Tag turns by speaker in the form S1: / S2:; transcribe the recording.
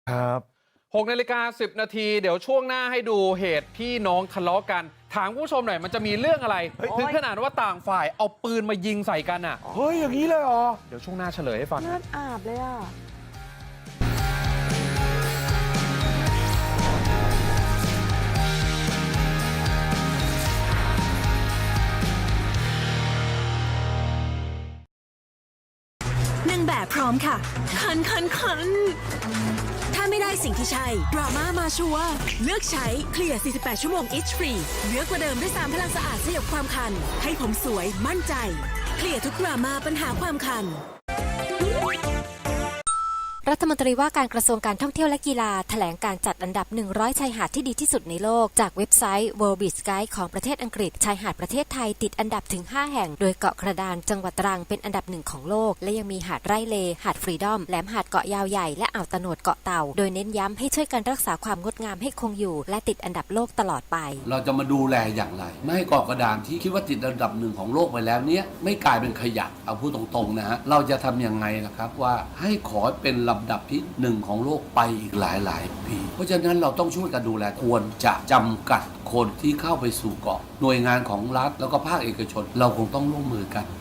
S1: ครับ6:10 นาทีเดี๋ยวช่วงหน้าให้ดูเหตุพี่น้องทะเลาะกันถามผู้ชมหน่อยมันจะมีเรื่องอะไรถึงขนาดว่าต่างฝ่ายเอาปืนมายิงใส่กันอ่ะ
S2: เฮ้ยอย่างนี้เลยเหรอ
S1: เดี๋ยวช่วงหน้าเฉลยให้ฟัง
S3: เลือดอาบเลยอ่ะ
S4: นางแบบพร้อมค่ะคันถ้าไม่ได้สิ่งที่ใช่ดราม่ามาชัวร์เลือกใช้เคลียร์ 48 ชั่วโมง Itch Free เหลือกว่าเดิมด้วย3พลังสะอาดสยบความคันให้ผมสวยมั่นใจเคลียร์ทุกดราม่าปัญหาความคัน
S5: รัฐมนตรีว่าการกระทรวงการท่องเที่ยวและกีฬาแถลงการจัดอันดับ100ชายหาดที่ดีที่สุดในโลกจากเว็บไซต์ World Beach Guide ของประเทศอังกฤษชายหาดประเทศไทยติดอันดับถึง5แห่งโดยเกาะกระดานจังหวัดตรังเป็นอันดับ1ของโลกและยังมีหาดไร่เลหาดฟรีดอมแหลมหาดเกาะยาวใหญ่และอ่าวตะโนดเกาะเต่าโดยเน้นย้ำให้ช่วยกันรักษาความงดงามให้คงอยู่และติดอันดับโลกตลอดไป
S6: เราจะมาดูแลอย่างไรไม่ให้เกาะกระดานที่คิดว่าติดอันดับ1ของโลกไปแล้วเนี้ยไม่กลายเป็นขยะเอาพูดตรงๆนะฮะเราจะทำยังไงล่ะครับว่าให้ขอเป็นลำดับที่1ของโลกไปอีกหลายปีเพราะฉะนั้นเราต้องช่วยกันดูแลควรจะจำกัดคนที่เข้าไปสู่เกาะหน่วยงานของรัฐแล้วก็ภาคเอกชนเราคงต้องร่วมมือกัน